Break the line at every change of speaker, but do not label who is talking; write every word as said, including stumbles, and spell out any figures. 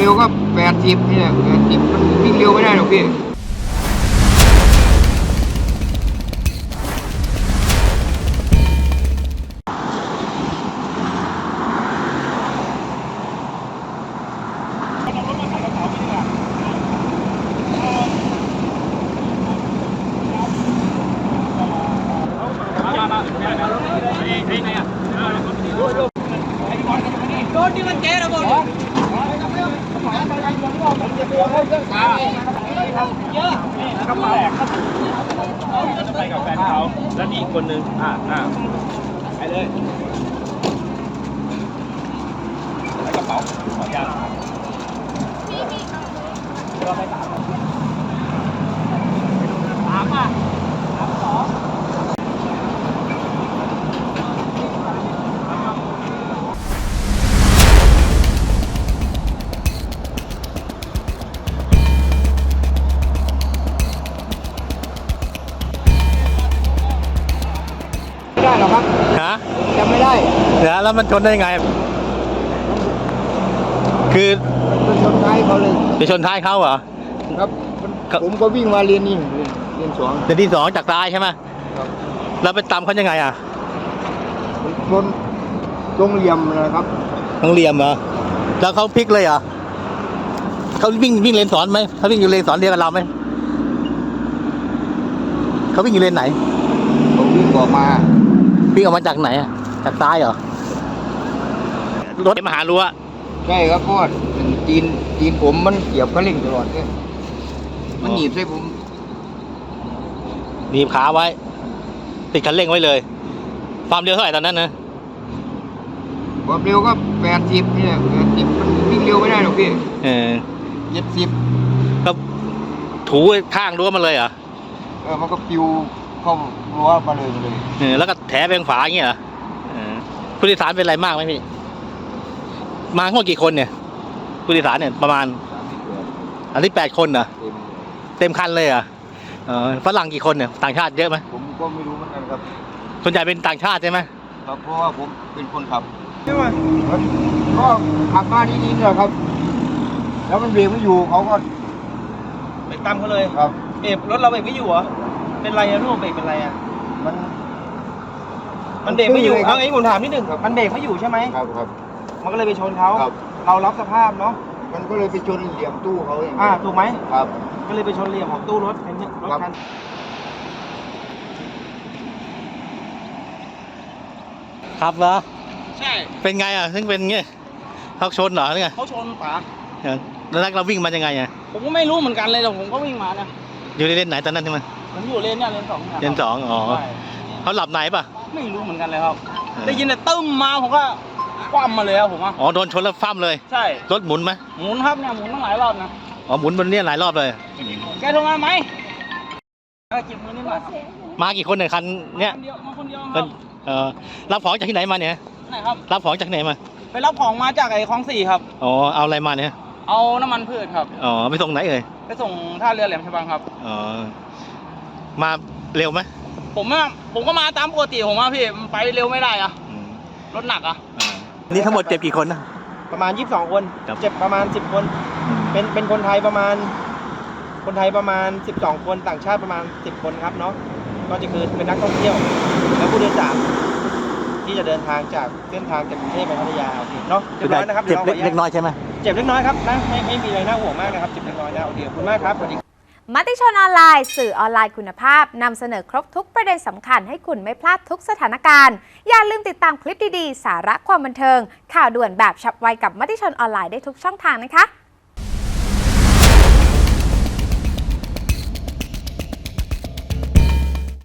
ร็วก็แปดสิบนี่แหละแปดสิบมันวิ่งเร็วไม่ได้หรอกพี่
รถนี่มันเจ๊ระเบิดเยอะกระเป๋าไปกับแฟนเขาแล้วอีกคนนึงอ่าอ่าไปเลยแล้วกระเป๋าขอยาเราไปสามสามอ่ะสามสอง
ไม่ได้หรอกครับ
ฮะ
จำไม่ได้
แล้วแล้วมันชนได้ยังไงคือ
มันชนท้ายเขาเลย
ไปชนท้ายเขาเหรอ
ครับผมก็วิ่งมาเรียนนี่เรียนสอง
เรียนที่สองจากซ้ายใช่ไหม
ครับ
แล้วไปตามเขายังไงอ่ะ
ชนตรงเหลี่ยมนะครับ
ตรงเหลี่ยมเหรอแล้วเขาพลิกเลยเหรอเขาวิ่งวิ่งเลนสอนไหมเขาวิ่งอยู่เลนสอนเดียวกับเราไหมเขาวิ่งอยู่เลนไหน
ผมวิ่งออกมา
วิ่งออกมาจากไหนอ่ะจากซ้ายเหรอรถมาหารั้ว
ใช่ครับเพราะจีนจีนผมมันเกี่ยวกับเร่งตลอดเลยมันหนีบใส่ผม
หนีบขาไว้ติดคันเร่งไว้เลยความเร็วเท่าไหร่ตอนนั้นนะ
ความเร็วก็แปดสิบนี่แหละแปดสิบมันวิ่งเร็วไม่ได้หรอกพี่
เออ
เจ็ดสิบ
ก็ถูข้างรั้วมาเลยเหรอ
เออมันก็ปิวเข้ารั้วมาเลยเลย
เออแล้วก็แถไปทางฝาอย่างเงี้ยเหรอผู้โดยสารเป็นอะไรมากไหมพี่มาทั้งหมดกี่คนเนี่ยผู้โดยสารเนี่ยประมาณอันที่แปดคนเหรอเต็มคันเลยเหรอเออฝรั่งกี่คนเนี่ยต่างชาติเยอะไหม
ผมก็ไม่รู้เหมือนกันครับ
ส่วนใหญ่เป็นต่างชาติใช่ไหม
ครับเพราะว่าผมเป็นคนขับใช่ไหมก็ขับมาดีๆเลยครับแล้วมันเบรกไม่อยู่เขาก็
ไปตามเขาเลย
ครับ
เบรกรถเราเบรกไม่อยู่เหรอเป็นไรอะลูกเบรกเป็นไรอะ
มัน
มันเบรกไม่อยู่เอาไอ้ผมถามนิดนึงมันเบรกไม่อยู่ใช่ไหม
ครับครับ
มันก็เลยไปชนเขาเรารับสภาพเนาะ
มันก็เลยไปชนเหลี่ยมตู้เขาเอง
อ่าถูกไหม
ครับ
ก็เลยไปชนเหลี่ยมของตู้รถรถคัน
ครับเหรอ
ใช่
เป็นไงอ่ะซึ่งเป็นเงี้ยเขาชนเหรอเนี่ย
เขาชนป๋า
แล้วเราวิ่งมายังไงอ่ะ
ผมก็ไม่รู้เหมือนกันเลยแต่ผมก็วิ่งมานะ
อยู่ในเลนไหนตอนนั้นใช่ไหม
ผมอยู่เลนเนี่ยเลนสอง
เลนสองอ๋อเขาหลับไหนป่ะ
ไม่รู้เหมือนกันเลยครับได้ยินแต่ตึ้มมาผมก็คว่ำมาเลยครับผม
อ๋อโดนชนแล้วฟ้ามเลย
ใช่
รถหมุนไหม
หมุนครับเนี่ยหมุนตั้งหลายรอบนะ
อ๋อหมุนบนนี้หลายรอบเลย
แกโทรมาไหมเก็บมือนิดหน่อย
มากี่คนในคันเนี้ย
มาคนเดียวครับ
เออรับของจากที่ไหนมาเนี่ย
ไหนครับ
รับของจากไหนมา
ไปรับของมาจากไอ้คลองสี่ครับ
อ๋อเอาอะไรมาเนี่ย
เอาน้ำมันพืชครับ
อ๋อไปส่งไหนเอ่ย
ไปส่งท่าเรือแหลมฉบังครับ
อ๋อมาเร็วไหม
ผมอะผมก็มาตามปกติผมว่าพี่มันไปเร็วไม่ได้อะรถหนักอะ
นี่ทั้งหมดเจ็บกี่คนนะ
ประมาณยี่สิบสองคนเจ็บประมาณสิบคนเป็นเป็นคนไทยประมาณคนไทยประมาณสิบสองคนต่างชาติประมาณสิบคนครับเนาะก็จะคือเป็นนักท่องเที่ยวและผู้โดยสารที่จะเดินทางจากเส้นทางจากกรุงเทพไปพัทยาโอเคเนาะเจ็บน้อยนะครับ
เจ็บเล็กน้อยใช่ไหม
เจ็บเล็กน้อยครับนะไม่ไม่มีอะไรน่าห่วงมากนะครับเจ็บเล็กน้อยนะโอเคขอบคุณมากครับสวัสดี
มติชนออนไลน์สื่อออนไลน์คุณภาพนำเสนอครบทุกประเด็นสำคัญให้คุณไม่พลาดทุกสถานการณ์อย่าลืมติดตามคลิปดีๆสาระความบันเทิงข่าวด่วนแบบฉับไวกับมติชนออนไลน์ได้ทุกช่องทางนะคะ